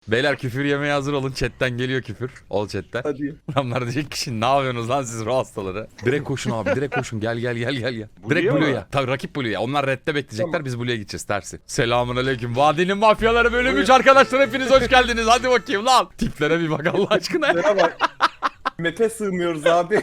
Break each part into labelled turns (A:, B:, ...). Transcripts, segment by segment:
A: Beyler küfür yemeye hazır olun. Chatten geliyor küfür. Ol chatten.
B: Hadi.
A: Adamlar diyecek ki ne yapıyorsunuz lan siz ruh hastaları. Direkt koşun abi, direkt koşun. Gel. Direkt
C: Blue'ya mı?
A: Blue'ya. Tabii rakip Blue'ya. Onlar redde bekleyecekler. Biz Blue'ya gideceğiz tersi. Selamun aleyküm. Vadinin mafyaları bölüm 3 arkadaşlar, hepiniz hoş geldiniz. Hadi bakayım lan. Tiplere bir bak Allah aşkına.
B: Şuna bak. Map'e sığmıyoruz abi.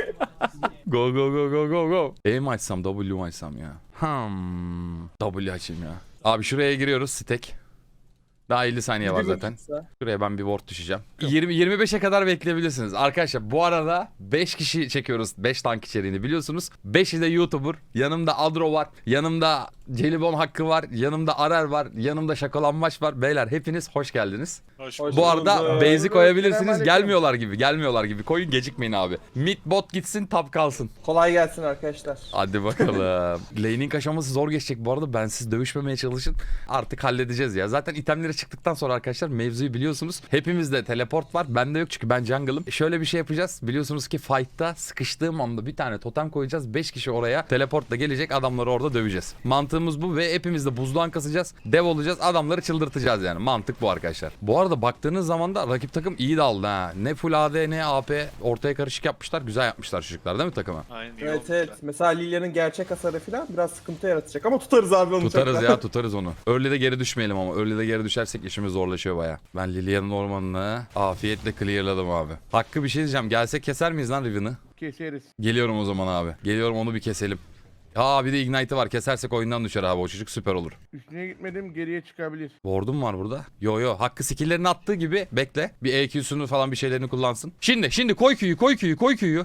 A: Go. E mi açsam W mu açsam ya? W açayım ya. Abi şuraya giriyoruz stack. Daha 50 saniye var zaten. Şuraya ben bir ward düşeceğim. 20-25'e kadar bekleyebilirsiniz. Arkadaşlar bu arada 5 kişi çekiyoruz. 5 tank içeriğini biliyorsunuz. 5'i de YouTuber. Yanımda Adro var. Yanımda Celibon Hakkı var. Yanımda Arer var. Yanımda Şakalanmaç var. Beyler hepiniz hoş geldiniz.
D: Hoş
B: Hoş
A: Bu arada
B: bulduk.
A: base'i koyabilirsiniz.
B: Selamünaleyküm.
A: Gelmiyorlar gibi. Koyun, gecikmeyin abi. Mid bot gitsin, top kalsın.
B: Kolay gelsin arkadaşlar.
A: Hadi bakalım. Laning aşaması zor geçecek bu arada. Bensiz dövüşmemeye çalışın. Artık halledeceğiz ya. Zaten itemleri çıktıktan sonra arkadaşlar mevzuyu biliyorsunuz. Hepimizde teleport var. Bende yok çünkü ben jungle'ım. Şöyle bir şey yapacağız. Biliyorsunuz ki fight'ta sıkıştığım anda bir tane totem koyacağız. 5 kişi oraya teleportla gelecek. Adamları orada döveceğiz. Mantığımız bu ve hepimiz de buzluğan kasacağız. Dev olacağız. Adamları çıldırtacağız yani. Mantık bu arkadaşlar. Bu arada baktığınız zaman da rakip takım iyi daldı ha. Ne full AD ne AP ortaya karışık yapmışlar. Güzel yapmışlar çocuklar değil mi takımı?
D: Aynen iyi
B: Evet
D: olmuş
B: evet.
D: ya.
B: Mesela Lilia'nın gerçek hasarı falan biraz sıkıntı yaratacak ama tutarız abi onu.
A: Tutarız
B: çok.
A: ya, tutarız onu. Early'de geri düşmeyelim ama. Early'de geri düşersek işimiz zorlaşıyor baya. Ben Lilia'nın ormanını afiyetle clearladım abi. Hakkı bir şey diyeceğim. Gelsek keser miyiz lan Riven'ı?
C: Keseriz.
A: Geliyorum o zaman abi. Geliyorum, onu bir keselim. Aa bir de Ignite'ı var. Kesersek oyundan düşer abi. O çocuk süper olur.
C: Üstüne gitmedim, geriye çıkabilir.
A: Ward'um var burada. Yo. Hakkı skill'lerini attığı gibi bekle. Bir EQ'sunu falan bir şeylerini kullansın. Şimdi koy Q'yu.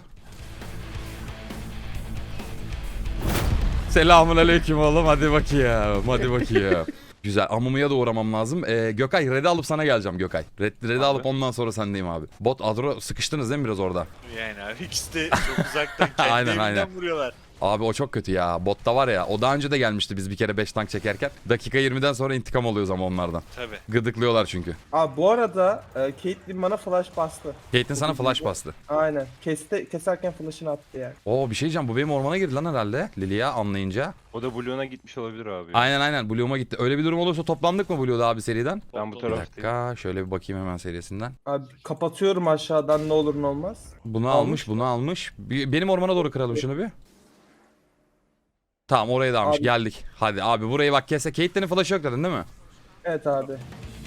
A: Selamun aleyküm oğlum. Hadi bakayım. Güzel. Amumuya da uğramam lazım. Gökay red'i alıp sana geleceğim Gökay. Red'i alıp ondan sonra sendeyim abi. Bot Adro sıkıştınız değil mi biraz orada?
D: Yani abi ikisi de çok uzaktan kendi
A: Aynen,
D: evinden vuruyorlar.
A: Abi o çok kötü ya. Botta var ya. O daha önce de gelmişti biz bir kere 5 tank çekerken. Dakika 20'den sonra intikam alıyoruz ama onlardan.
D: Tabi.
A: Gıdıklıyorlar çünkü.
B: Abi bu arada Caitlyn bana flash bastı.
A: Caitlyn sana flash bastı.
B: Aynen. Keserken flash'ını attı yani.
A: Oo bir şey diyeceğim. Bu benim ormana girdi lan herhalde. Lilia anlayınca.
E: O da Blue'una gitmiş olabilir abi.
A: Aynen. Blue'uma gitti. Öyle bir durum olursa toplandık mı Blue'da abi seriden?
E: Ben bu
A: Bir
E: taraftayım.
A: dakika. Şöyle bir bakayım hemen serisinden.
B: Abi kapatıyorum aşağıdan ne olur ne olmaz.
A: Bunu
B: Almış
A: almış. Benim ormana doğru kıralım şunu bir. Tamam oraya da almış.
B: Abi.
A: Geldik. Hadi abi burayı bak kesse. Caitlyn'in flash'ı yok dedin değil mi?
B: Evet abi.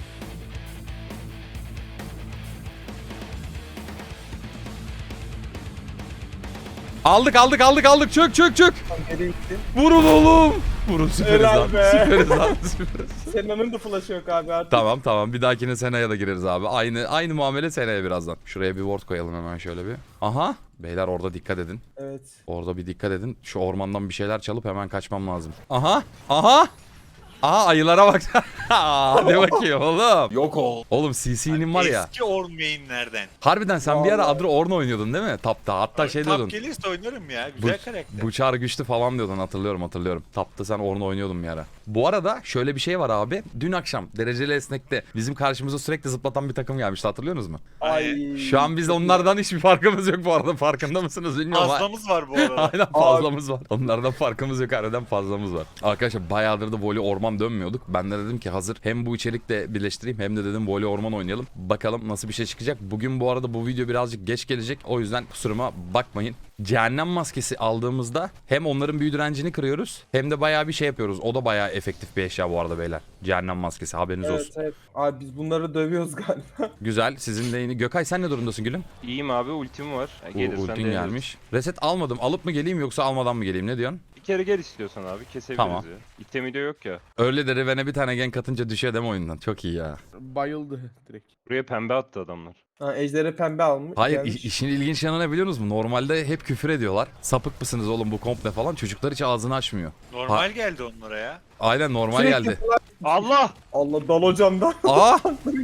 A: Aldık. Çök.
B: Tam geri gittim.
A: Vurun oğlum. Vurun süperiz
B: Helal
A: lan.
B: be.
A: Süperiz.
B: Sena'nın da flash'ı yok abi artık.
A: Tamam. Bir dahakine Sena'ya da gireriz abi. Aynı muamele Sena'ya birazdan. Şuraya bir ward koyalım hemen şöyle bir. Aha. Beyler orada dikkat edin.
B: Evet.
A: Orada bir dikkat edin. Şu ormandan bir şeyler çalıp hemen kaçmam lazım. Aha ayılara bak. Hadi bakayım oğlum.
D: Yok ol.
A: Oğlum CC'nin var ya.
D: Eski Orn mainlerden.
A: Harbiden sen bir ara
B: Vallahi.
A: Adro Ornn oynuyordun değil mi? Tapta. Hatta şey diyordun.
D: Tap gelirse oynarım ya. Güzel karakter.
A: Bu çağrı güçlü falan diyordun, hatırlıyorum. Tapta sen Ornn oynuyordun bir ara. Bu arada şöyle bir şey var abi. Dün akşam dereceli esnekte bizim karşımıza sürekli zıplatan bir takım gelmişti, hatırlıyorsunuz mu?
B: Ay.
A: Şu an biz onlardan hiçbir farkımız yok bu arada, farkında mısınız bilmiyorum.
D: Fazlamız var bu arada.
A: Aynen fazlamız var. Onlardan farkımız yok, harbiden fazlamız var. Arkadaşlar bayağıdır da voley orman dönmüyorduk. Ben de dedim ki hazır hem bu içerikle birleştireyim hem de dedim voley orman oynayalım. Bakalım nasıl bir şey çıkacak. Bugün bu arada bu video birazcık geç gelecek. O yüzden kusuruma bakmayın. Cehennem maskesi aldığımızda hem onların büyü direncini kırıyoruz hem de bayağı bir şey yapıyoruz. O da bayağı efektif bir eşya bu arada beyler. Cehennem maskesi, haberiniz olsun.
B: Evet. Abi biz bunları dövüyoruz galiba.
A: Güzel. Sizin de yeni. Gökay sen ne durumdasın gülüm?
E: İyiyim abi, ultim var. Gelirsen
A: Ultin
E: deneriz.
A: gelmiş. Reset almadım. Alıp mı geleyim yoksa almadan mı geleyim, ne diyorsun?
E: Bir kere gel istiyorsan abi, kesebiliriz
A: Tamam.
E: ya. İtemi de yok ya.
A: Öyle de Riven'e bir tane gank atınca düşüyor deme oyundan. Çok iyi ya.
C: Bayıldı direkt.
E: Buraya pembe attı adamlar.
B: Ha, Ejder'e pembe almış.
A: Hayır
B: gelmiş.
A: işin ilginç yanı ne biliyor musunuz? Normalde hep küfür ediyorlar. Sapık mısınız oğlum bu komple falan. Çocuklar hiç ağzını açmıyor.
D: Normal geldi onlara ya.
A: Aynen normal
B: Sürekli
A: geldi.
E: Allah!
B: Allah dal hocamdan.
A: Aa!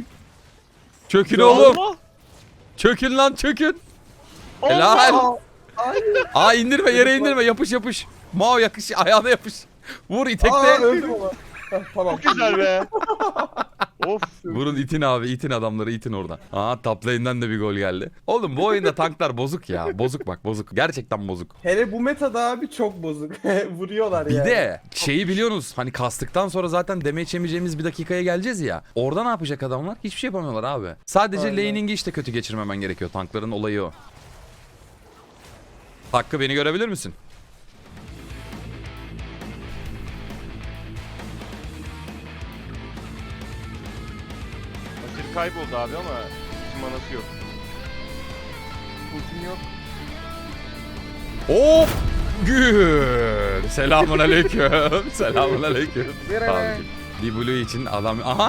A: Çökün oğlum.
D: Allah!
A: Çökün lan çökün. Helal. Aa indirme, yere indirme. Yapış. Mao yakış, ayağına yapış. Vur
B: Aa
A: itekte.
B: öldüm ama. Heh, tamam.
E: Güzel be! Of.
A: Vurun itin abi, itin adamları, itin oradan. Aa, top lane'den de bir gol geldi. Oğlum bu oyunda tanklar bozuk ya. Bozuk bak, bozuk. Gerçekten bozuk.
B: Hele bu metada abi çok bozuk. Vuruyorlar
A: Bir
B: yani.
A: de şeyi biliyorsunuz, hani kastıktan sonra zaten damage yemeyeceğimiz bir dakikaya geleceğiz ya. Orada ne yapacak adamlar? Hiçbir şey yapamıyorlar abi. Sadece
B: Aynen.
A: laning'i işte kötü geçirmemen gerekiyor. Tankların olayı o. Hakkı, beni görebilir misin?
E: Asir kayboldu abi ama hiç manası yok.
C: Ultim yok.
A: Hop! Gül. Selamun aleyküm. Selamun aleyküm.
C: Ver
A: Tamam.
C: hele.
A: Bir blue için adam... Aha!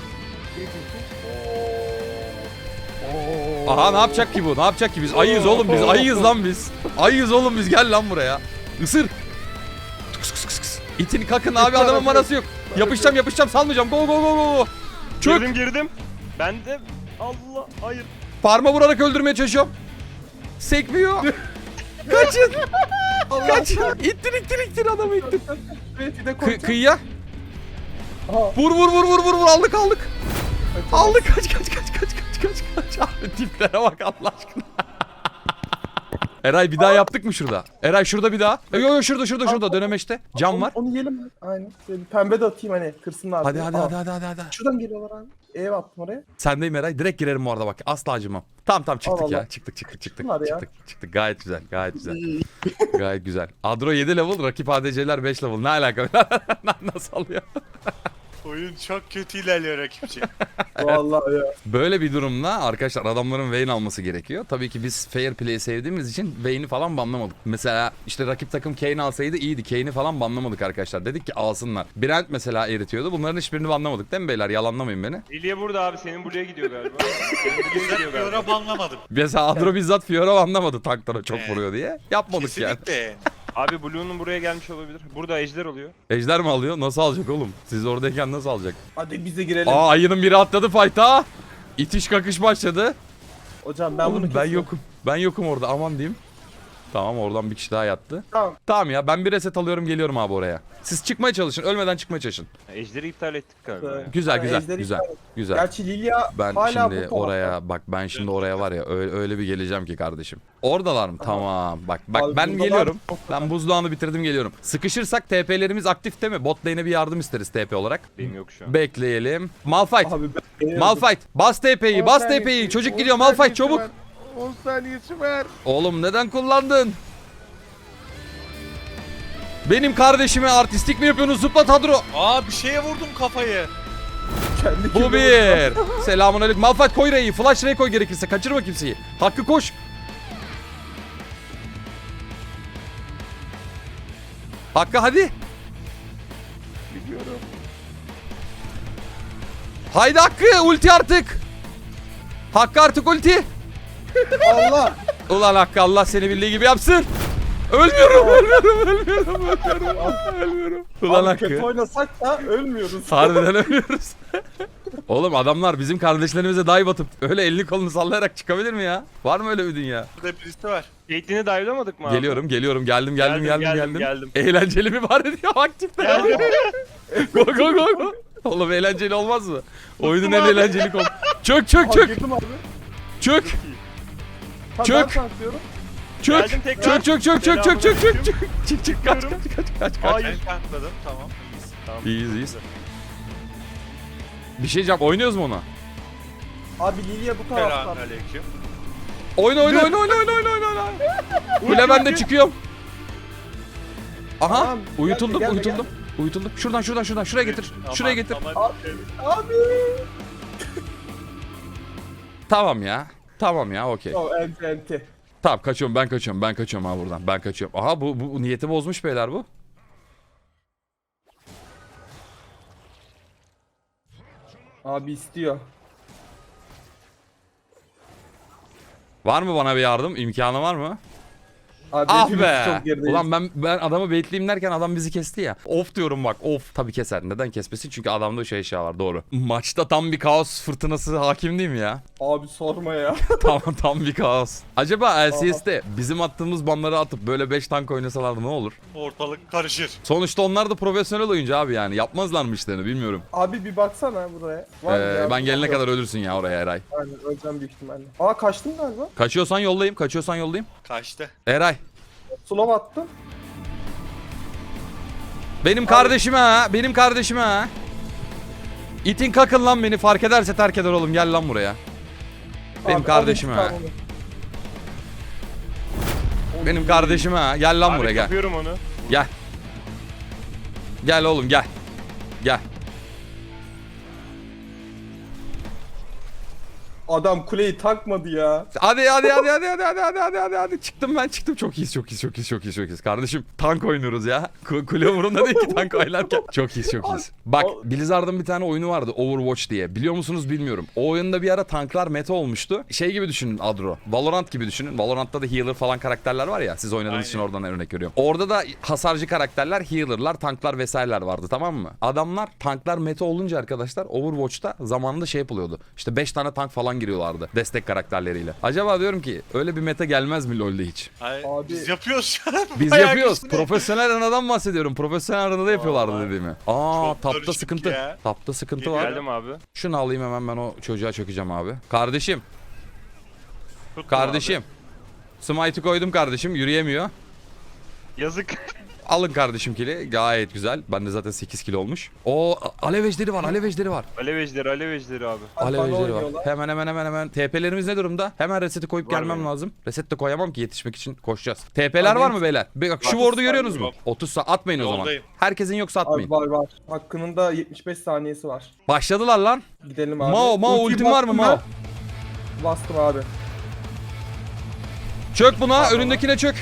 A: Aha, ne yapacak ki bu? Ne yapacak ki biz? Ayıyız oğlum biz. Ayıyız lan biz. Ayıyız oğlum biz. Gel lan buraya. Isır. Kıs kıs kıs kıs. İtin kakın abi, adamın manası yok. Yapışacağım salmayacağım. Go go go go. Çök.
E: Girdim. Ben de Allah hayır.
A: Parma vurarak öldürmeye çalışıyorum. Sekmiyor. Kaçın. Kaçın. İttir adamı ittir.
B: Evet, bir de koyacağım.
A: Kıyıya.
B: Aha.
A: Vur. Aldık. Aldık. Kaç. Abi tiplere bak Allah aşkına. Eray bir daha yaptık mı şurada? Eray şurada bir daha. Yo şurada dönemeçte. Cam var.
B: Onu yiyelim mi? Aynen. Şöyle bir pembe de atayım hani kırsınlar.
A: Hadi
B: diye.
A: hadi
B: Aa,
A: hadi.
B: Şuradan geliyorlar abi. Ev attım oraya.
A: Sendeyim Eray. Direkt girerim bu arada bak. Asla acımam. Tamam çıktık
B: Allah
A: ya.
B: Allah.
A: Çıktık.
B: Bunlar ya.
A: Çıktık. Gayet güzel. Gayet güzel. Adro 7 level, rakip ADC'ler 5 level. Ne alaka? Nasıl alıyor?
D: Oyun çok kötü ilerliyor rakipçi.
B: Vallahi ya.
A: Böyle bir durumda arkadaşlar adamların Vayne alması gerekiyor. Tabii ki biz fair play'i sevdiğimiz için Vayne'i falan banlamadık. Mesela işte rakip takım Kayn alsaydı iyiydi. Kayn'i falan banlamadık arkadaşlar. Dedik ki alsınlar. Brand mesela eritiyordu. Bunların hiçbirini banlamadık değil mi beyler? Yalanlamayın beni.
E: Lilia burada abi, senin buraya gidiyor galiba. Senin buraya gidiyor galiba.
D: Fiora banlamadım.
A: Mesela Adro bizzat Fiora anlamadı tanklara çok
D: Evet.
A: vuruyor diye. Yapmadık yani.
D: Kesinlikle.
E: Abi Blue'nun buraya gelmiş olabilir. Burada ejder oluyor.
A: Ejder mi alıyor? Nasıl alacak oğlum? Siz oradayken nasıl alacak?
B: Hadi biz de girelim.
A: Aa, ayının biri atladı fight'a. İtiş kakış başladı.
B: Hocam ben
A: Oğlum,
B: bunu
A: ben
B: kesiyorum.
A: yokum. Ben yokum orada, aman diyeyim. Tamam, oradan bir kişi daha yattı.
B: Tamam.
A: Tamam ya, ben bir reset alıyorum, geliyorum abi oraya. Siz çıkmaya çalışın, ölmeden çıkmaya çalışın.
E: Ejderi iptal ettik galiba. ya.
A: Güzel
B: Yani ejderi
A: güzel.
B: iptal et.
A: Güzel.
B: Gerçi Lilia
A: Ben
B: hala
A: şimdi
B: bu tarafta.
A: oraya bak, ben şimdi oraya var ya öyle bir geleceğim ki kardeşim. Oradalar mı? Tamam. Bak
B: Abi
A: ben
B: bundalar
A: geliyorum.
B: çok
A: Ben buzdağını bitirdim, geliyorum. Sıkışırsak TP'lerimiz aktif değil mi? Bot lane'e bir yardım isteriz TP olarak.
E: Benim yok şu an.
A: Bekleyelim. Malphite.
B: Abi ben
A: Malphite. Bas TP'yi,
C: 10
A: bas
C: saniyesi,
A: TP'yi. Çocuk
C: 10
A: gidiyor Malphite,
C: saniyesi
A: çabuk.
C: var. 10 saniyesi var.
A: Oğlum neden kullandın? Benim kardeşime artistik mi yapıyorsunuz? Zıplat Hadro.
D: Aa, bir şeye vurdum kafayı.
B: kendi
A: Bu
B: kendime-
A: bir. Selamun aleyküm. Malphite koy R'yi. Flash R'yi koy gerekirse. Kaçırma kimseyi. Hakkı koş. Hakkı hadi.
C: Biliyorum.
A: Haydi Hakkı, ulti artık. Hakkı artık ulti.
B: Allah.
A: Ulan Hakkı, Allah seni bildiği gibi yapsın. Ölmüyorum. Ulan
B: Abi kötü
A: Hakkı.
B: oynasak da ölmüyoruz.
A: Harbiden ölüyoruz. Oğlum adamlar bizim kardeşlerimize dive atıp öyle elini kolunu sallayarak çıkabilir mi ya? Var mı öyle bir dünya?
D: Burada birisi var.
E: Caitlyn'i dive'lamadık mı abi?
A: Geliyorum. Geldim.
E: Geldim.
A: Eğlenceli mi var diyor aktifler. Go. Oğlum eğlenceli olmaz mı? Oyunun en eğlenceli konu. Çök.
B: Abi girdim abi.
A: Çök.
B: Tamam,
A: Çök.
B: ben tanklıyorum.
E: Geldim tekrar.
A: Çök. Çık kaç.
E: Hayır.
D: Ben kankladım, tamam. İyiyiz.
A: İyiyiz. Bir şey diyeceğim, oynuyoruz mu ona?
B: Abi Lilia bu taraftan.
D: Selamünaleyküm.
A: Oyna. Kule ben de çıkıyorum. Aha,
B: Tamam,
A: uyutuldum.
B: gelme.
A: Şuradan şuraya getir. Şuraya getir.
B: Abi.
A: Tamam ya, okey.
B: O enti.
A: Tamam, ben kaçıyorum ha buradan. Ben kaçıyorum. Aha, bu niyeti bozmuş beyler bu.
B: Abi istiyor.
A: Var mı bana bir yardım? İmkanı var mı?
B: Abi
A: Ah
B: hepimiz
A: be.
B: çok gerideyiz.
A: Ulan ben adamı baitleyeyim derken adam bizi kesti ya. Of diyorum bak, of. Tabii keser. Neden kesmesin? Çünkü adamda şey var, doğru. Maçta tam bir kaos fırtınası hakim değil mi ya?
B: Abi sorma ya.
A: tam bir kaos. Acaba LCS'de bizim attığımız banları atıp böyle 5 tank oynasalardı ne olur?
D: Ortalık karışır.
A: Sonuçta onlar da profesyonel oyuncu abi yani. Yapmazlar mı işlerini bilmiyorum.
B: Abi bir baksana buraya. Var mı ya?
A: Ben gelene
B: Yok.
A: kadar ölürsün ya oraya Eray.
B: Aynen öleceğim büyük ihtimalle. Aa kaçtım galiba.
A: Kaçıyorsan yollayayım, kaçıyorsan yollayayım.
D: Kaçtı.
A: Eray.
B: Slow attım.
A: Benim kardeşime ha, benim kardeşime ha. İtin kakın lan beni, fark ederse terk eder oğlum, gel lan buraya. Benim
B: Abi,
A: kardeşime
B: al
A: ha.
B: intikamını.
A: Benim kardeşime ha, gel lan
E: Abi
A: buraya gel.
E: kapıyorum onu.
A: Gel. Gel oğlum gel. Gel.
B: Adam kuleyi takmadı ya.
A: Hadi. Çıktım ben, çıktım. Çok iyiyiz. Kardeşim tank oynuyoruz ya. Kule umurumda değil ki tank oynarken. Çok iyiyiz. Bak Blizzard'ın bir tane oyunu vardı, Overwatch diye. Biliyor musunuz bilmiyorum. O oyunda bir ara tanklar meta olmuştu. Şey gibi düşünün Adro. Valorant gibi düşünün. Valorant'ta da healer falan karakterler var ya. Siz oynadığınız için oradan örnek veriyorum. Orada da hasarcı karakterler, healer'lar, tanklar vesaireler vardı, tamam mı? Adamlar tanklar meta olunca arkadaşlar Overwatch'ta zamanında şey yapılıyordu. İşte 5 tane tank falan giriyorlardı destek karakterleriyle. Acaba diyorum ki öyle bir meta gelmez mi LoL'de hiç?
D: Ay,
B: Abi-
D: biz yapıyoruz şu an.
A: Biz
D: Bayağı
A: yapıyoruz.
D: güçlü.
A: Profesyonel arenadan bahsediyorum. Profesyonel arenada yapıyorlardı
D: Vallahi.
A: dediğimi.
D: Çok
A: Tapta
D: karışık
A: sıkıntı.
D: ya.
A: Tapta sıkıntı var.
E: Geldim abi.
A: Şunu alayım hemen, ben o çocuğa çökeceğim abi. Kardeşim.
E: Tuttum
A: Kardeşim. Smite'ı koydum kardeşim. Yürüyemiyor.
E: abi. Yazık.
A: Alın kardeşim kili. Gayet güzel. Bende zaten 8 kilo olmuş. O alev ejderi var. Alev ejderi var.
E: Alev ejderi abi.
A: Alev
B: Bana
A: ejderi var.
B: oynuyorlar.
A: Hemen. TP'lerimiz ne durumda? Hemen reseti koyup
E: Var
A: gelmem
E: benim.
A: lazım. Reset de koyamam ki, yetişmek için koşacağız. TP'ler
B: Abi
A: var
B: benim-
A: mı beyler? Bak şu
B: 30
A: ward'u görüyorsunuz mu?
D: yok.
A: 30 saat atmayın o zaman.
D: Yoldayım.
A: Herkesin yoksa atmayın.
B: Abi var. Hakkının da 75 saniyesi var.
A: Başladılar lan.
B: Gidelim abi.
A: Mao
B: Ultiyi
A: ultim var mı
B: bastım
A: Mao?
B: ben. Bastım abi.
A: Çök buna, önündekine çök.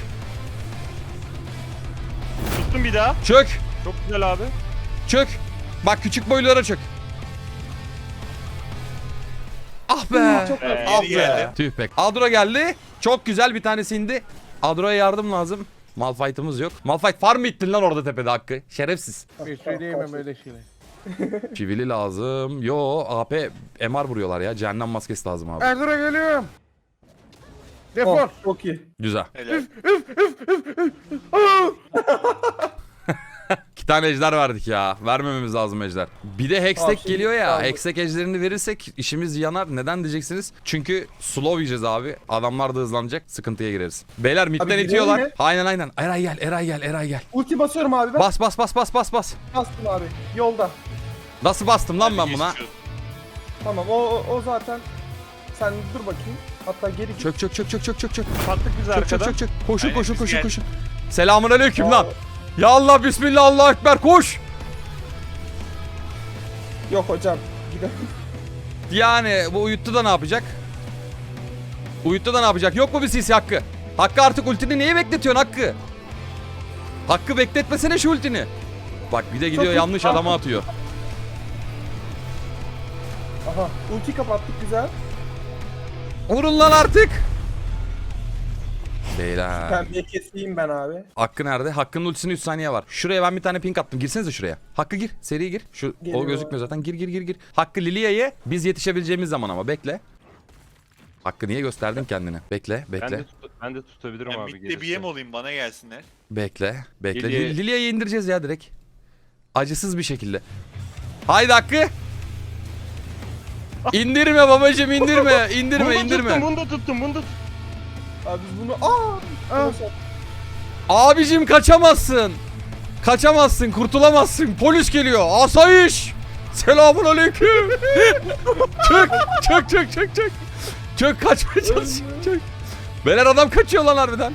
E: Tuttum bir daha.
A: Çök.
E: Çok güzel abi.
A: Çök. Bak küçük boylulara çök. Ah be.
B: Çok
E: Ee,
A: Ah
D: Geri geldim.
A: be. Tüh be. Adro geldi. Çok güzel bir tanesi indi. Adro'ya yardım lazım. Malphite'ımız yok. Malphite farm mı ittin lan orada tepede Hakkı? Şerefsiz.
C: Bir şey diyemem öyle şeyler.
A: Çivili lazım. Yo AP MR vuruyorlar ya. Cehennem maskesi lazım abi.
C: Erdur'a geliyorum. Defol.
B: Oh, çok iyi.
A: Güzel.
D: Helal.
A: 2 tane ejder verdik ya. Vermememiz lazım ejder. Bir de Hextech
B: şimdi
A: geliyor ya.
B: kaldı.
A: Hextech ejderini verirsek işimiz yanar. Neden diyeceksiniz? Çünkü slow yiyeceğiz abi. Adamlar da hızlanacak. Sıkıntıya gireriz. Beyler midden
B: gidelim
A: itiyorlar.
B: mi?
A: Aynen. Eray gel.
B: Ulti basıyorum abi ben.
A: Bas.
B: Bastım abi. Yolda.
A: Nasıl bastım lan ben buna?
D: Geçiyoruz.
B: Tamam o zaten. Sen dur bakayım. Hatta geri git.
A: Çök.
E: Patlık bizi arkadan.
A: Çök. Koşun.
D: Aynen, biz geldik.
A: Selamun aleyküm
B: Aa.
A: lan. Ya Allah, bismillah, Allahu ekber, koş.
B: Yok hocam. Gidelim.
A: Yani bu uyuttu da ne yapacak? Yok mu bir CC Hakkı? Hakkı artık ultini niye bekletiyorsun Hakkı? Hakkı bekletmesene şu ultini. Bak bir de gidiyor
B: Çok
A: yanlış
B: iyi.
A: adama atıyor.
B: Aha. Ulti kapattık güzel.
A: Vurun lan artık. Beyler.
B: Pembeyi keseyim ben abi.
A: Hakkı nerede? Hakkı'nın ultisine 3 saniye var. Şuraya ben bir tane ping attım. Girsenize şuraya. Hakkı gir. Seri gir. O
B: Geliyor.
A: gözükmüyor zaten. Gir. Hakkı Lilia'yı biz yetişebileceğimiz zaman ama bekle. Hakkı niye gösterdin kendini? Bekle.
E: Ben de tutabilirim
D: Ben
E: abi.
D: midde bir yem olayım, bana gelsinler.
A: Bekle.
E: Lilia-
A: Lilia'yı indireceğiz ya direkt. Acısız bir şekilde. Haydi Hakkı. İndirme babacım, indirme.
E: Bunu da tuttum.
B: Abi biz bunu... Aa!
A: Abicim kaçamazsın. Kurtulamazsın. Polis geliyor. Asayiş. Selamun aleyküm. Çök. Çök, kaçmaya çalışıyor. Çök. Beyler adam kaçıyor lan harbiden.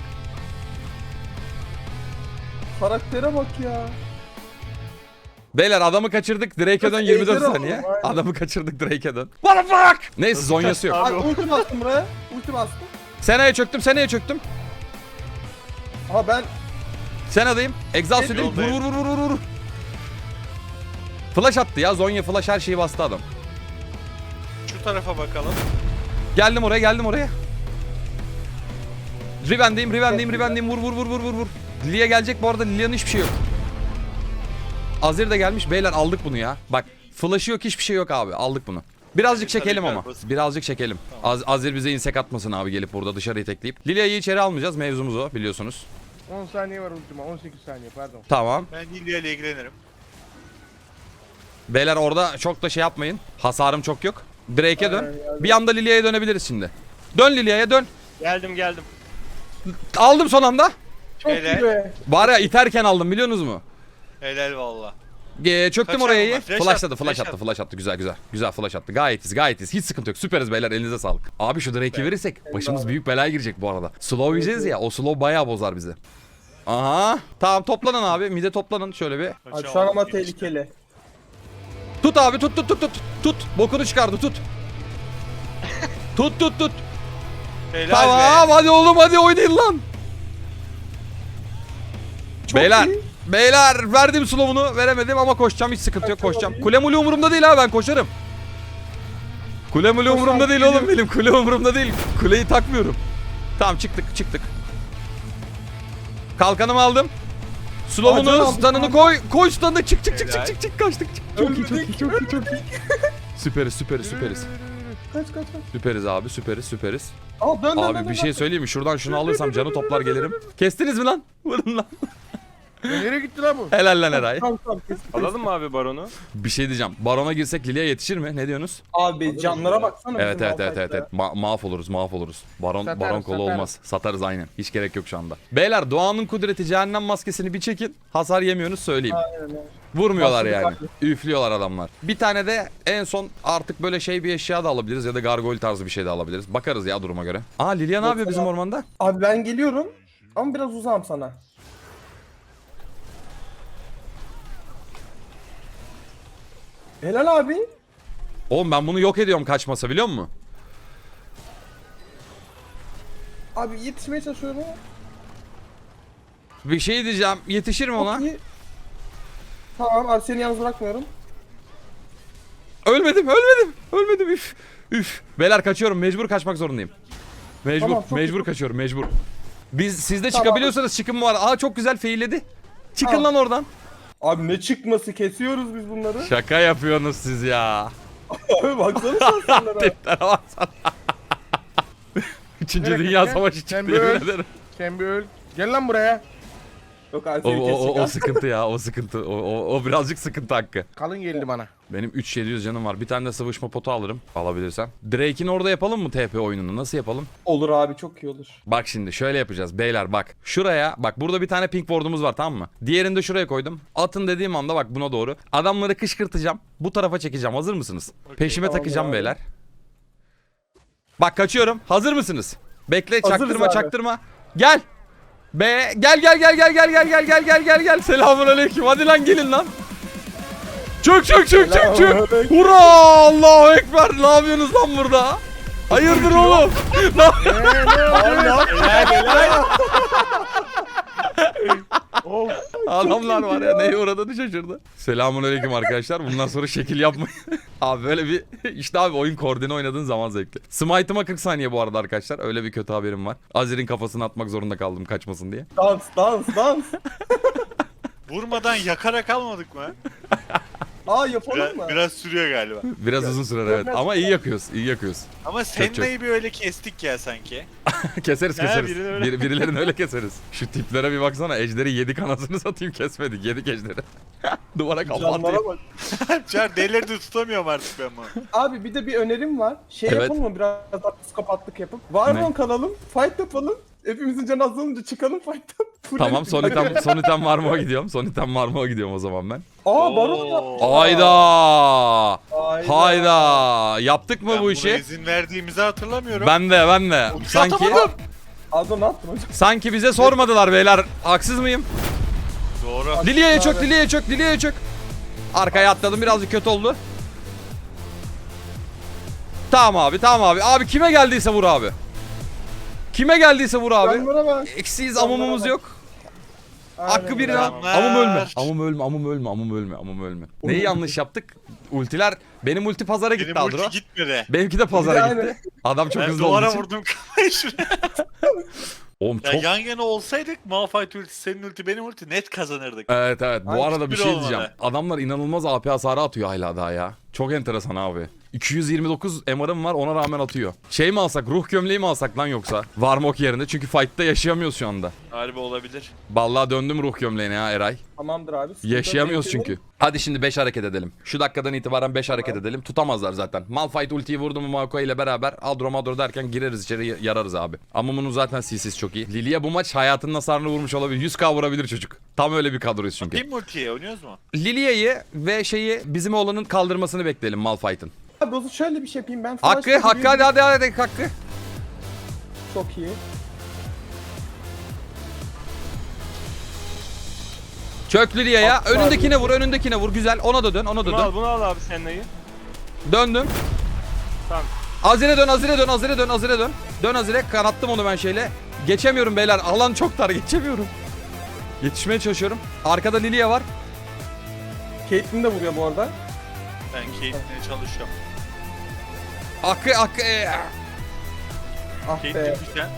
B: Karaktere bak ya.
A: Beyler adamı kaçırdık. Drake'e dön 24
B: Ejder
A: saniye.
B: alalım, aynen.
A: Adamı kaçırdık, Drake'e dön. What the fuck? Neyse zonyası yok.
B: Abi ulti bastım buraya. Ulti bastım.
A: Sena'ya çöktüm.
B: Aha ben...
A: Sena'dayım. Exhaust edeyim.
D: Yoldayım.
A: Vur. Flash attı ya. Zonya flash, her şeyi bastı adam.
D: Şu tarafa bakalım.
A: Geldim oraya. Riven'deyim. Vur. Lilia gelecek bu arada. Lilia'nın hiçbir şey yok. Azir de gelmiş. Beyler aldık bunu ya. Bak flash'ı yok, hiçbir şey yok abi. Aldık bunu. Birazcık çekelim ama. Birazcık çekelim. Azir bize insek atmasın abi gelip burada dışarıyı tekleyip. Lilia'yı içeri almayacağız. Mevzumuz o biliyorsunuz.
C: 10 saniye var ultima. 18 saniye pardon.
A: Tamam.
D: Ben Lilia ile ilgilenirim.
A: Beyler orada çok da şey yapmayın. Hasarım çok yok. Drake'e dön.
B: Aynen.
A: Bir anda Lilia'ya dönebiliriz şimdi. Dön Lilia'ya dön.
E: Geldim.
A: Aldım son anda.
B: Çok
D: Helal.
B: iyi be.
A: Var ya iterken aldım biliyorsunuz mu?
D: Helal valla.
A: Çöktüm
D: Kaçar
A: oraya
D: mı?
A: iyi.
D: Flash
A: Flash
D: attı.
A: attı. Güzel flash attı. Gayet iyiyiz. Hiç sıkıntı yok. Süperiz beyler. Elinize sağlık. Abi şu Drake'i verirsek başımız büyük belaya girecek bu arada. Slow yiyeceğiz ya. O slow bayağı bozar bizi. Aha. Tamam toplanın abi. Mide toplanın şöyle bir.
B: Abi şu an ama tehlikeli.
A: Tut abi tut. Bokunu çıkardı tut. Tut.
D: Helal
A: Tamam
D: be.
A: hadi oğlum hadi oynayın lan.
B: Çok
A: Beyler.
B: iyi.
A: Beyler verdim slow'unu veremedim ama koşacağım hiç sıkıntı yok koşacağım. Kule mule umurumda değil ha ben koşarım. Kule mule umurumda değil oğlum benim kule umurumda değil. Kuleyi takmıyorum. Tamam çıktık. Kalkanımı aldım.
B: Acele
A: Slow'unu
B: aldım
A: stun'ını
B: abi.
A: koy stun'ını çık
D: Helal.
A: kaçtık.
B: Çok iyi.
A: Süperiz.
B: Kaç.
A: Süperiz abi süperiz.
B: Al dön.
A: Abi bir şey söyleyeyim mi? Şuradan şunu alırsam canı toplar gelirim. Kestiniz mi lan? Vurun lan.
C: Nereye gitti lan bu?
A: Helal lan Eray.
B: Tamam kes.
E: Alalım mı abi baronu?
A: Bir şey diyeceğim. Barona girsek Lilia yetişir mi? Ne diyorsunuz?
B: Abi canlara baksana.
A: Evet.
B: bizim Malphite'da.
A: Mahvoluruz. Baron
C: Satarız.
A: kolu olmaz. Satarız aynen. Hiç gerek yok şu anda. Beyler doğanın kudreti cehennem maskesini bir çekin. Hasar yemiyorsunuz söyleyeyim.
B: Aynen öyle.
A: Vurmuyorlar
B: Başladık
A: yani.
B: abi.
A: Üflüyorlar adamlar. Bir tane de en son artık böyle şey bir eşya da alabiliriz ya da gargoyle tarzı bir şey de alabiliriz. Bakarız ya duruma göre. Aa Lilia ne yapıyor bizim ormanda?
B: Abi ben geliyorum. Ama biraz uzağım sana. Helal abi.
A: Oğlum ben bunu yok ediyorum kaçmasa biliyor musun?
B: Abi yetişmeye çalışıyorum ama.
A: Bir şey diyeceğim. Yetişir mi ona?
B: Çok iyi. Tamam abi seni yalnız bırakmıyorum.
A: Ölmedim. Üf. Beyler kaçıyorum. Mecbur kaçmak zorundayım.
B: Tamam, çok
A: Mecbur
B: iyi.
A: kaçıyorum. Mecbur. Siz de
B: Tamam.
A: çıkabiliyorsanız çıkın mı var? Aa çok güzel feilledi. Çıkın
B: Tamam.
A: lan oradan.
B: Abi ne çıkması kesiyoruz biz bunları.
A: Şaka yapıyorsunuz siz ya.
B: Abi baksana şanslara.
A: Tiplere baksana. Üçüncü
C: Nereye
A: Dünya
C: kaçacaksın?
A: Savaşı
C: Sen
A: çıktı
C: bir
A: yemin
C: öl.
A: ederim.
C: Sen bir öl. Gel lan buraya.
B: Yok abi
A: O,
B: seni
A: o,
B: kesecek
A: o
B: abi.
A: sıkıntı ya o sıkıntı. O birazcık sıkıntı hakkı.
C: Kalın geldi bana.
A: Benim 3700 canım var. Bir tane de sıvışma potu alırım. Alabilirsem. Drake'in orada yapalım mı TP oyununu? Nasıl yapalım?
B: Olur abi çok iyi olur.
A: Bak şimdi şöyle yapacağız beyler bak. Şuraya bak burada bir tane pink ward'umuz var tamam mı? Diğerini de şuraya koydum. Atın dediğim anda bak buna doğru. Adamları kışkırtacağım. Bu tarafa çekeceğim. Hazır mısınız? Peşime
B: Tamam
A: takacağım
B: abi.
A: beyler. Bak kaçıyorum. Hazır mısınız? Bekle
B: Hazırız
A: çaktırma
B: abi.
A: çaktırma. Gel. Be gel. Selamünaleyküm. Hadi lan gelin lan. Çök.
B: Selamünaleyküm.
A: Hurra Allahu ekber. Ne yapıyorsunuz lan burada? Hayırdır oğlum? Ne
C: Of.
A: Adamlar var ya neye uğradığını şaşırdı. Selamünaleyküm arkadaşlar. Bundan sonra şekil yapmayın. Abi böyle bir işte abi oyun koordine oynadığın zaman zevkli. Smite'ıma 40 saniye bu arada arkadaşlar. Öyle bir kötü haberim var. Azir'in kafasını atmak zorunda kaldım kaçmasın diye.
B: Dans.
D: Vurmadan yakarak almadık mı?
B: Aa yapalım mı?
D: Biraz sürüyor galiba.
A: Biraz uzun sürer evet. Ama iyi yakıyoruz.
D: Ama Senna'yı bir öyle kestik ya sanki.
A: Keseriz.
E: birini öyle-
A: Birilerini öyle keseriz. Şu tiplere bir baksana. Ejderi yedik anasını satayım kesmedik. Yedik ejderi. Duvara kapatayım.
B: Canlara bak.
D: Çar delileri de tutamıyorum artık ben bunu.
B: Abi bir de bir önerim var.
A: Evet.
B: Yapalım mı biraz daha psikopatlık yapıp? Varron kalalım, fight yapalım. Hepimizin canı azalınca çıkalım fight'tan.
A: Tamam son item Marmo'ya gidiyorum o zaman ben.
B: Aa Baron
D: Oo.
B: yapmış.
A: Hayda. Yaptık mı
D: Ben
A: bu
D: buna
A: işi?
D: izin verdiğimizi hatırlamıyorum.
A: Ben de. Sanki
D: atamadım.
B: Adon attın hocam.
A: sanki bize sormadılar beyler. Haksız mıyım?
D: Doğru.
A: Lilia'ya çök. Arkaya atladım birazcık kötü oldu. Tamam abi. Abi kime geldiyse vur abi.
B: Canlara bak.
A: Eksiyiz
B: Canlara
A: amumumuz
B: bak.
A: yok. Hakkı
B: Aynen
A: birine.
B: öyle.
A: Amum ölme. Neyi yanlış yaptık? Ultiler benim ulti pazara gitti
D: Benim ulti
A: Adro.
D: gitmedi.
A: Benimki de pazara
B: Yani.
A: gitti. Adam çok
D: Ben
A: hızlı olduğu
D: duvara
A: için.
D: vurdum kafayı şuraya.
A: Oğlum
D: Ya
A: çok...
D: yan yana olsaydık Malphite ulti, senin ulti, benim ulti net kazanırdık.
A: Evet evet. Bu
B: Ay,
A: arada bir
D: hiçbiri
A: şey
D: olmadı.
A: diyeceğim. Adamlar inanılmaz AP hasarı atıyor hala daha ya. Çok enteresan abi. 229 MR'ım var, ona rağmen atıyor. Şey mi alsak, ruh gömleği mi alsak lan yoksa? Varmok yerine, çünkü fight'ta yaşayamıyoruz şu anda.
D: Harbi olabilir.
A: Vallahi döndüm ruh gömleğine ya Eray.
B: Tamamdır abi. Sıkıntı
A: Yaşayamıyoruz
B: yok.
A: çünkü. Hadi şimdi 5 hareket edelim. Şu dakikadan itibaren 5 hareket edelim. Tutamazlar zaten. Malphite ultiyi vurdu mu Maokai ile beraber Adro Madro derken gireriz içeri, yararız abi. Ama bunun zaten CC'si çok iyi. Lilia bu maç hayatının hasarını vurmuş olabilir. 100k vurabilir çocuk. Tam öyle bir kadroyuz çünkü.
D: Kim ultiye oynuyoruz mu?
A: Lilia'yı ve şeyi, bizim oğlanın kaldırmasını bekleyelim Malphite'ın.
B: Abi o zaman şöyle bir şey yapayım ben.
A: Hakkı
B: Flash'ta
A: Hakkı
B: bir-
A: hadi Hakkı.
B: Çok iyi.
A: Çök Lilia'ya. Önündekine vur. Güzel. Ona da dön.
E: Bunu al abi Senna'yı.
A: Döndüm.
E: Tamam.
A: Azire dön. Dön Azire. Kanattım onu ben şeyle. Geçemiyorum beyler. Alan çok dar. Geçemiyorum. Yetişmeye çalışıyorum. Arkada Lilia var.
B: Caitlyn de vuruyor bu arada.
D: Ben Caitlyn'e çalışıyorum.
A: Hakkı.
B: Ah be.
D: Caitlyn güzel.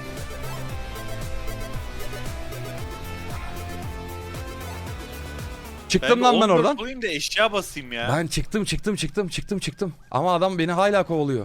A: Çıktım lan ben
D: 14
A: oradan.
D: olayım da eşya basayım ya.
A: Ben çıktım. Ama adam beni hala kovalıyor.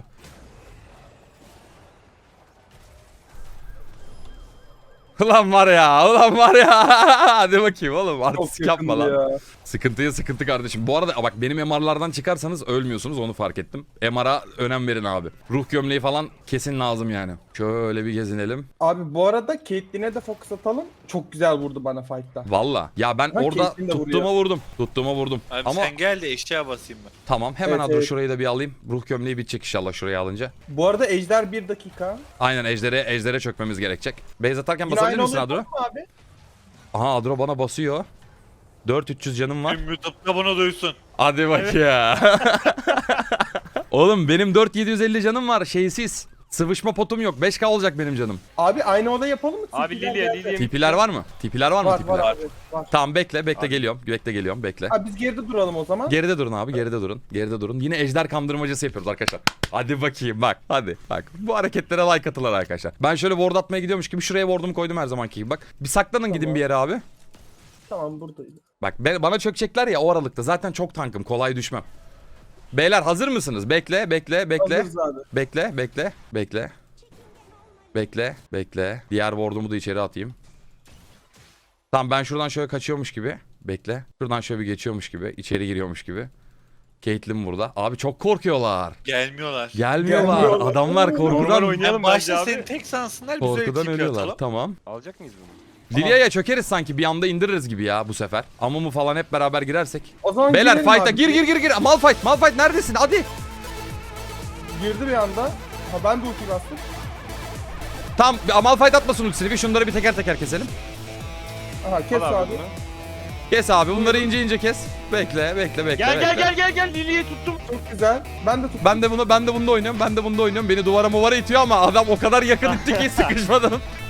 A: Ulan var ya. Hadi bakayım oğlum.
B: Çok
A: Artistik yapma
B: yakındı
A: lan.
B: ya.
A: Sıkıntıya sıkıntı kardeşim. Bu arada bak, benim MR'lardan çıkarsanız ölmüyorsunuz, onu fark ettim. MR'a önem verin abi. Ruh gömleği falan kesin lazım yani. Şöyle bir gezinelim.
B: Abi bu arada Caitlyn'e de fokus atalım. Çok güzel vurdu bana fight'ta.
A: Valla. Ya ben
B: Ha,
A: orada
B: Caitlyn de
A: tuttuğuma vurdum.
D: Abi
A: Ama
D: sen gel de eşya basayım ben.
A: tamam, hemen
B: Evet,
A: Adro
B: evet.
A: şurayı da bir alayım. Ruh gömleği bitecek inşallah şurayı alınca.
B: Bu arada Ejder 1 dakika.
A: Aynen, ejdere çökmemiz gerekecek. Base atarken
B: Yine
A: basabilir
B: aynı
A: misin
B: oluyor
A: Adro?
B: mu abi?
A: Aha, Adro bana basıyor. 4300 canım var.
D: Tüm YouTube'da bunu duysun.
A: Hadi bak ya. Oğlum benim 4750 canım var, şeysiz. Sıvışma potum yok. 5k olacak benim canım.
B: Abi aynı oda yapalım mı?
E: Abi
B: Tipiler
E: Lilia,
B: geldi.
E: Lilia.
A: TP'ler var mı? TP'ler var mı?
B: Var
A: TP'ler?
B: var abi. Var.
A: Tamam, bekle geliyorum. Bekle.
B: Abi biz geride duralım o zaman.
A: Geride durun abi, geride durun. Yine ejder kandırmacası yapıyoruz arkadaşlar. Hadi bakayım bak. Hadi bak. Bu hareketlere like atılır arkadaşlar. Ben şöyle ward atmaya gidiyormuş gibi şuraya ward'umu koydum her zamanki gibi. Bak bir saklanın, gidin
B: Tamam.
A: bir yere abi.
B: Tamam buradaydı.
A: Bak bana çökecekler ya o aralıkta. Zaten çok tankım, kolay düşmem. Beyler hazır mısınız? Bekle.
B: Hazırız abi.
A: Bekle. Diğer ward'umu da içeri atayım. Tamam, ben şuradan şöyle kaçıyormuş gibi. Bekle. Şuradan şöyle bir geçiyormuş gibi. İçeri giriyormuş gibi. Caitlyn burada. Abi çok korkuyorlar.
D: Gelmiyorlar.
A: Gelmiyorlar.
B: Gelmiyorlar.
A: Adamlar
E: Normal
A: korkudan
E: oynayalım
D: En başta
E: bence
D: seni
E: abi.
D: tek sansınlar, biz öyle
A: korkudan
D: TP
A: ölüyorlar.
D: atalım.
A: Tamam.
E: Alacak mıyız bunu?
A: Lilia'ya çökeriz sanki, bir anda indiririz gibi ya bu sefer. Amumu falan hep beraber girersek.
B: O zaman
A: Beyler
B: girelim
A: fight'a
B: abi.
A: gir. Malphite neredesin? Hadi.
B: Girdi bir anda. Ha ben de ulti bastım.
A: Tamam, Malphite atmasın ultisini. Bir şunları bir teker teker keselim.
B: Aha kes
E: Al
B: abi.
E: bunu.
A: Kes abi, bunları ince kes. Bekle.
E: Gel Lilia'yı tuttum.
B: Çok güzel. Ben de tuttum.
A: Ben de bunda oynuyorum. Beni duvara itiyor ama adam o kadar yakın itti ki sıkışmadan.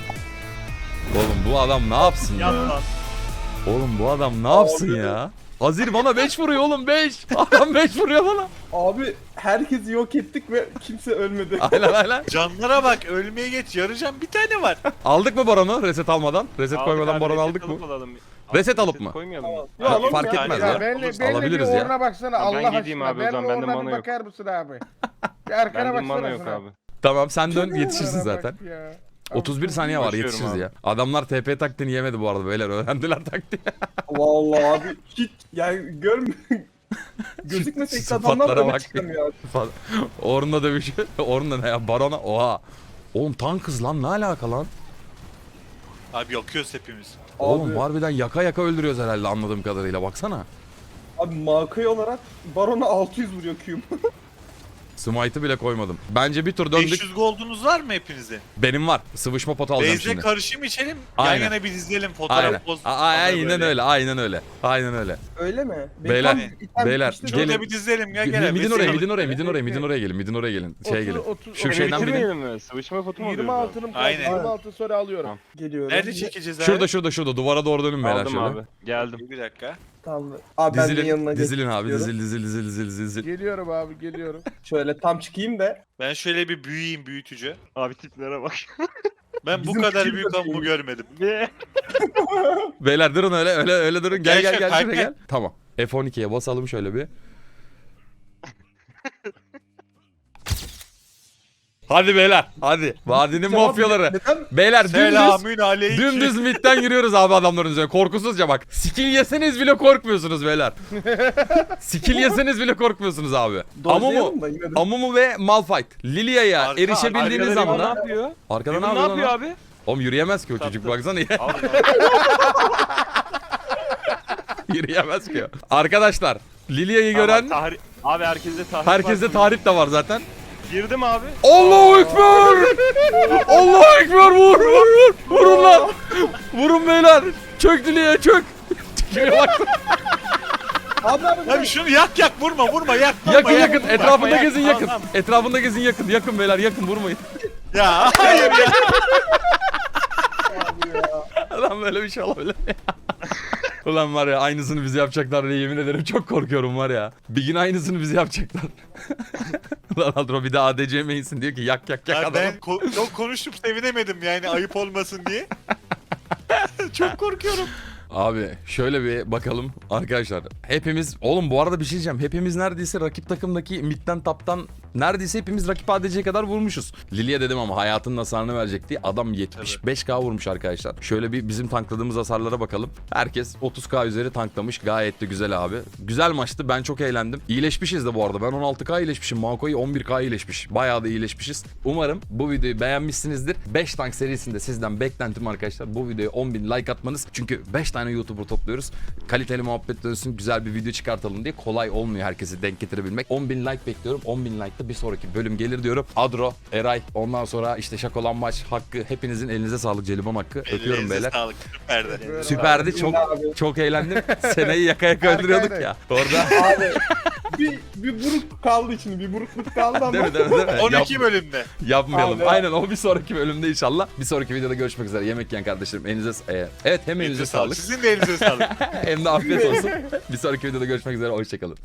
A: Oğlum bu adam ne yapsın
E: Yat
A: ya?
E: lan.
A: Oğlum bu adam ne yapsın ya? Azir bana 5 vuruyor oğlum, 5. Adam 5 vuruyor bana.
B: Abi herkesi yok ettik ve kimse ölmedi.
A: Aynen.
D: Canlara bak, ölmeye geç, yarayacağım bir tane var.
A: Aldık mı Baron'u reset almadan? Reset
E: Aldık
A: koymadan
E: abi,
A: Baron
E: reset
A: aldık mı?
E: alıp alalım.
A: Reset alıp mı?
E: Koymayalım mı?
B: Ya, alalım
A: Fark
B: ya.
A: etmez
C: Ya
A: ya.
C: benle
A: Alabiliriz
C: bir
A: ya.
C: uğruna baksana
E: Tamam, ben
C: Allah
E: gideyim
C: aşkına.
E: abi, o
C: Benle
E: zaman bende
C: uğruna
E: mana
C: bir
E: yok.
C: bakar mısın abi? Bir arkana
E: Bende mana
C: baksana
E: yok
C: şuna.
E: abi.
A: Tamam, sen dön,
C: Şuna
A: yetişirsin
C: bak
A: zaten.
C: ya.
A: 31 saniye var,
E: Başlıyorum
A: yetişiriz
E: abi.
A: ya. Adamlar TP taktiğini yemedi bu arada, beyler öğrendiler taktiği.
B: Vallahi abi hiç yani gözükmesek de adamlar
A: Sıfatlara
B: öne
A: bak.
B: çıkamıyor.
A: Orun'la dövüş. Orun'la ne ya? Baron'a. Oha. Oğlum tankız lan, ne alaka lan?
D: Abi yakıyoruz hepimiz.
A: Oğlum
B: Abi,
A: harbiden yaka öldürüyoruz herhalde anladığım kadarıyla, baksana.
B: abi Makai olarak Baron'a 600 vuruyor Q'm.
A: Smite'ı bile koymadım. Bence bir tur döndük.
D: 500 goldunuz var mı hepinizin?
A: Benim var. Sıvışma potu alacağım
D: Base'le
A: şimdi.
D: karışım içelim,
A: Aynen.
D: yan yana bir izleyelim,
A: Aynen.
D: fotoğraf poz.
A: Aynen öyle. Aynen öyle.
B: Öyle mi?
A: Beyler,
B: tam item
A: beyler,
B: bitmişti.
A: gelin.
D: Şurada bir dizelim ya, gel.
A: Midin oraya gelin. Midin oraya gelin. Şeye gelin. Şu
E: Öyle
A: şeyden bilin.
E: bitirmeyelim mi? Sıvışma fotu mu alıyoruz
C: 20
E: abi?
C: altınım kaldı.
D: Aynen.
C: 20 altın sonra alıyorum.
E: Tamam.
B: Geliyorum.
D: Nerede çekeceğiz abi?
A: Şurada. Duvara doğru dönün beyler
E: Aldım
A: şöyle.
E: abi. Geldim.
D: Bir dakika.
B: Tamam. Abi ben de yanına
A: Dizilin abi.
B: geçiyorum.
A: Dizil.
C: Geliyorum abi geliyorum.
B: Şöyle tam çıkayım da.
D: Ben şöyle bir büyüyeyim, büyütücü.
E: Abi tiplere bak.
D: Ben bu
B: Bizim
D: kadar
B: fikir
D: büyük
B: de
D: ammu
B: değil.
D: görmedim.
A: Beyler durun öyle durun. Gel
D: Gel
A: gel
D: şöyle,
A: gel şuraya
D: kalk,
A: gel. Tamam. F12'ye basalım şöyle bir. Hadi beyler hadi. Vadinin
B: Cevap
A: mafyaları.
B: neden?
A: Beyler dümdüz.
D: Selamün aleyküm.
A: Dümdüz midden yürüyoruz abi adamların üzerine. Korkusuzca bak. Skill yeseniz bile korkmuyorsunuz beyler. Skill yeseniz bile korkmuyorsunuz abi. Amumu,
B: Dojlayalım da yine de.
A: Amumu ve Malphite. Lilia'ya
D: Arka-
A: erişebildiğiniz
E: Arkada Limon
A: anda.
E: ne yapıyor?
A: Arkada
E: Limon
A: ne
E: ne
A: yapıyor
E: yapıyor
A: lan?
E: abi?
A: Oğlum yürüyemez ki o çocuk baksana ya. Yürüyemez ki o. Arkadaşlar Lilia'yı gören
E: Abi herkeste tarih
A: herkeste
E: var.
A: tarih de var zaten.
E: Girdim abi.
A: Allahu Ekber! Allahu Ekber vur! Vurun lan! Vurun beyler! Çök Lilia'ya çök! Kime baktın?
B: Abi
D: Abi şunu yak vurma yak.
A: Yakın
D: yak.
A: yakın etrafında
E: yak.
A: gezin
E: Tamam,
A: yakın.
E: tamam.
A: Etrafında gezin yakın. Yakın beyler yakın vurmayın.
D: Ya hayır ya.
A: Lan böyle bir şey olabilir mi? Ulan var ya aynısını bize yapacaklar diye yemin ederim çok korkuyorum var ya. Bir gün aynısını bize yapacaklar. Lan Adro bir daha ADC main'sin diyor ki yak
D: Ya
A: adamı.
D: ben çok konuşup sevinemedim yani ayıp olmasın diye. Çok korkuyorum.
A: Abi şöyle bir bakalım arkadaşlar. Hepimiz oğlum bu arada bir şey diyeceğim. Hepimiz neredeyse rakip takımdaki midden taptan neredeyse hepimiz rakip ADC'ye kadar vurmuşuz. Lilia dedim ama hayatının hasarını verecek diye adam 75k vurmuş arkadaşlar. Şöyle bir bizim tankladığımız hasarlara bakalım. Herkes 30k üzeri tanklamış. Gayet de güzel abi. Güzel maçtı. Ben çok eğlendim. İyileşmişiz de bu arada. Ben 16k iyileşmişim. Mako'yu 11k iyileşmiş. Bayağı da iyileşmişiz. Umarım bu videoyu beğenmişsinizdir. 5 tank serisinde sizden beklentim arkadaşlar. Bu videoya 10.000 like atmanız. Çünkü 5 tane YouTuber topluyoruz. Kaliteli muhabbet dönsün. Güzel bir video çıkartalım diye. Kolay olmuyor herkesi denk getirebilmek. 10.000 like bekliyorum. 10.000 like'da bir sonraki bölüm gelir diyorum. Adro, Eray, ondan sonra işte Şakolanmaç Hakkı. Hepinizin elinize sağlık. Jelibon Hakkı. Öpüyorum
D: Ellerinize
A: beyler.
D: Sağlık. Süperdi.
A: Süperdi. Çok
B: Abi.
A: çok eğlendim. Seneyi yaka yaka öldürüyorduk ya. Orada.
B: Abi bir buruk kaldı için bir burukluk kaldı ama.
A: Değil mi?
D: 12 bölümde.
A: Yapmayalım.
B: Aynen.
A: Aynen o bir sonraki bölümde inşallah. Bir sonraki videoda görüşmek üzere. Yemek yiyen kardeşlerim. Evet hem elinize sağlık.
D: Sizin de elinize sağlık.
A: Hem de afiyet olsun. Bir sonraki videoda görüşmek üzere. Hoşçakalın.